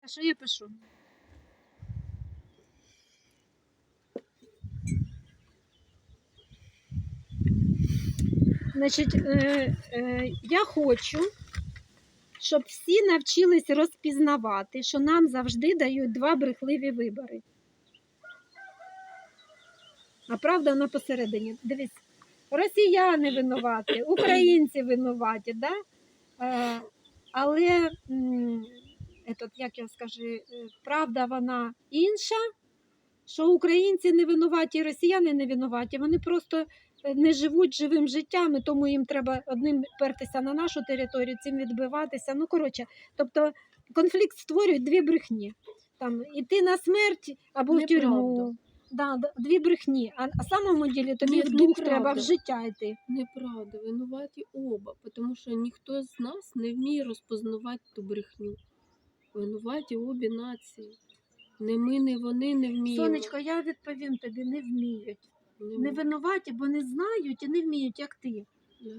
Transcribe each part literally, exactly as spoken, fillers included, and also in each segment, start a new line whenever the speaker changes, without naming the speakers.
що я пишу? Значить, е, е, я хочу, щоб всі навчились розпізнавати, що нам завжди дають два брехливі вибори. А правда вона посередині. Дивись, росіяни винуваті, українці винуваті, да? Е, але, м, етот, як я скажу, е, правда вона інша, що українці не винуваті, росіяни не винуваті, вони просто не живуть живим життям, і тому їм треба одним пертися на нашу територію, цим відбиватися. Ну, коротше, тобто конфлікт створюють дві брехні. Там, іти на смерть або в тюрму. Да, дві брехні. А на самому ділі тобі
Ні,
в дух
неправда.
треба в життя йти.
Неправда, винуваті оба, тому що ніхто з нас не вміє розпознавати ту брехню. Винуваті обі нації. Не ми, не вони не вміємо.
Сонечко, я відповім тобі, не вміють.
Не
Не
ми.
винуваті, бо не знають і не вміють, як ти.
Да.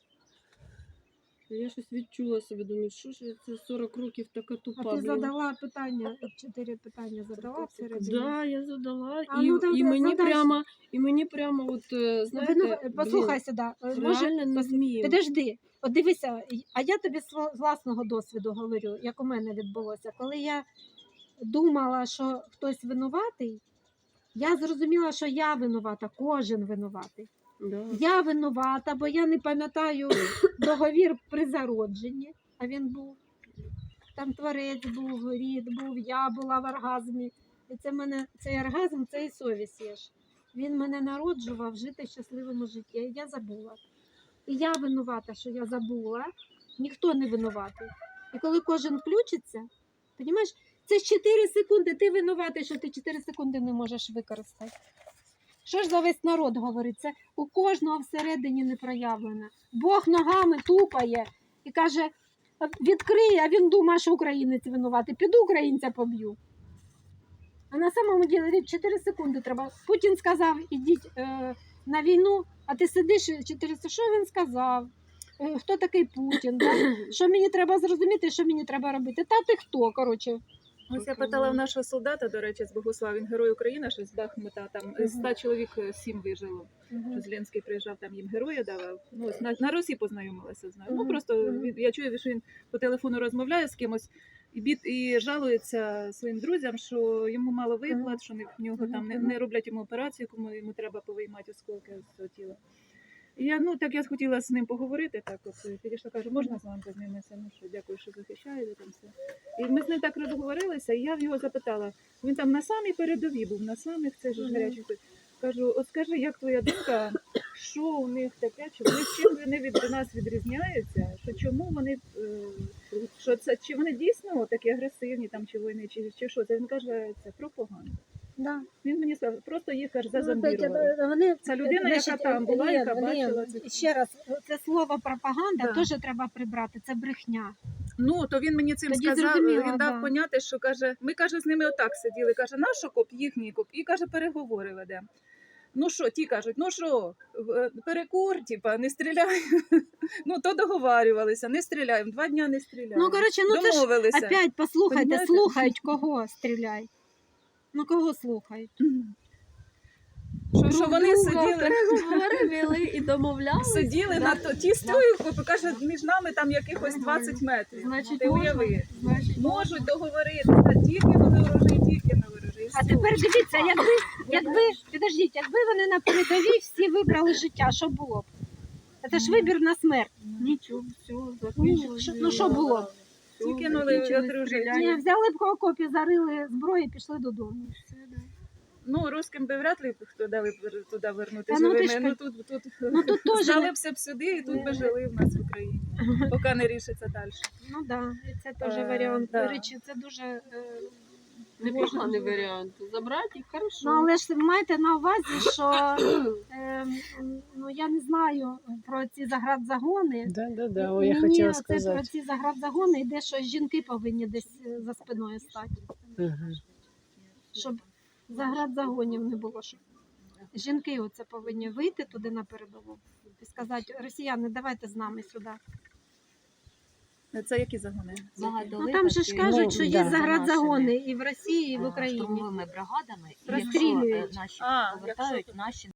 Я щось відчула себе, думаю, що ж я це сорок років така тупа.
А ти
блін.
задала питання, чотири питання задала всередині?
Да, я задала.
А,
і,
ну, там
і, мені
задай.
прямо, і мені прямо, от, е, знаєте,
Вину- Послухай
блін,
сюди. Може,
реально не
пос-
вмію.
Підожди, от дивися, а я тобі з сво- з власного досвіду говорю, як у мене відбулося. Коли я думала, що хтось винуватий, я зрозуміла, що я винувата, кожен винуватий.
Да.
Я винувата, бо я не пам'ятаю договір при зародженні, а він був. Там творець був, рід був, я була в оргазмі. І це мене, цей оргазм, це і совість є ж. Він мене народжував жити в щасливому житті. І я забула. І я винувата, що я забула. Ніхто не винуватий. І коли кожен включиться, розумієш, це ж чотири секунди, ти винуватий, що ти чотири секунди не можеш використати. Що ж за весь народ говорить? Це у кожного всередині не проявлено. Бог ногами тупає і каже, відкрий, а він думає, що українець винуватий. Піду українця поб'ю. А на самому ділі чотири секунди треба. Путін сказав, ідіть е, на війну, а ти сидиш чотири секунди. Що він сказав? Е, хто такий Путін? Да? Що мені треба зрозуміти, що мені треба робити? Та ти хто, коротше.
Ось я питала в нашого солдата, до речі, з Богослав, він герой України, що з Бахмута, там з ста чоловік сім вижило. Що Зеленський приїжджав, там їм героя давав. Ну, ось на, на Росії познайомилася з нею. Ну,
Мгм.
просто
Мгм.
він, я чую, що він по телефону розмовляє з кимось і, бід, і жалується своїм друзям, що йому мало виплат, що не- в нього там не, не роблять йому операцію, кому йому треба повиймати осколки з цього тіла. І я, ну, так я хотіла з ним поговорити, так от підійшла, кажу, можна з вами познайомитися? Ну що, дякую, що захищаєте там все. І ми з ним так розговорилися, і я в його запитала, він там на самій передовій був, на самих цих же ж
Мгм.
гарячих. Кажу, от скажи, як твоя думка, що у них таке, чи вони чим вони від нас відрізняються, що чому вони, е, що це, чи вони дійсно такі агресивні, там, чи воїни, чи, чи що? Це він каже, це пропаганда.
Да.
Він мені сказав, просто їх аж
Ну,
зазомбірували.
Петя, вони,
Це людина, яка
значить,
там була,
Лен,
яка
Лен,
бачила це.
ще раз, це слово пропаганда
Да.
теж треба прибрати, це брехня.
Ну, то він мені цим
Тоді
сказав,
зрозуміла,
він дав
да.
поняти, що каже, ми каже, з ними отак сиділи, каже, наш окоп, їхній окоп, і каже, переговори ведемо. Ну що, ті кажуть, ну що, в- перекур, типа, не стріляй. Ну, то договарювалися, не стріляємо, два дня не стріляємо.
Ну, коротше, ну це ж
Домовилися.
опять послухайте,
Понімаєте?
слухають кого стріляй. Ну кого слухають?
Що, що вони сиділи,
Переговори вели і домовлялися.
сиділи на то, ті стою, каже, між нами там якихось двадцять метрів.
Значить,
Ти
можна.
уяви.
Значить,
Можуть договоритися, тільки на ворожий, тільки на ворожий.
А тепер дивіться, якби, якби, підождіть, якби вони на передовій всі вибрали життя, що було б? Це ж вибір на смерть.
нічого, все,
Ну,
закінчилось.
що- ну, що було?
Ті кинули
Закінчили
одруження.
стріляння.
Ні, взяли б окопі, зарили зброю і пішли додому.
Ну, русским би вряд ли хто дали б туди вернутися
Та ну ти
живими.
ж
Ну, тут, тут,
Ну тут теж не-
здалися б сюди і тут би жили в нас в Україні, поки не рішиться далі.
Ну так, да, і це теж
Е,
варіант.
да.
До речі, це дуже е,
Непоганий варіант. Забрати їх, хорошо.
Ну, але ж майте на увазі, що е, ну, я не знаю про ці заградзагони.
Да, да, да. О, я
Мені
хотела
оце про
сказать.
ці заградзагони йде, що жінки повинні десь е, за спиною стати.
Мгм.
Щоб заградзагонів не було. Щоб жінки оце повинні вийти туди на передову і сказати, росіяни, давайте з нами сюди.
Це які загони?
Ну там же ж кажуть, що є
да.
заградзагони і в Росії, і в
е,
Україні.
штурмовими бригадами, і
Розстрілюють.
якщо е, наші
А,
повертають, наші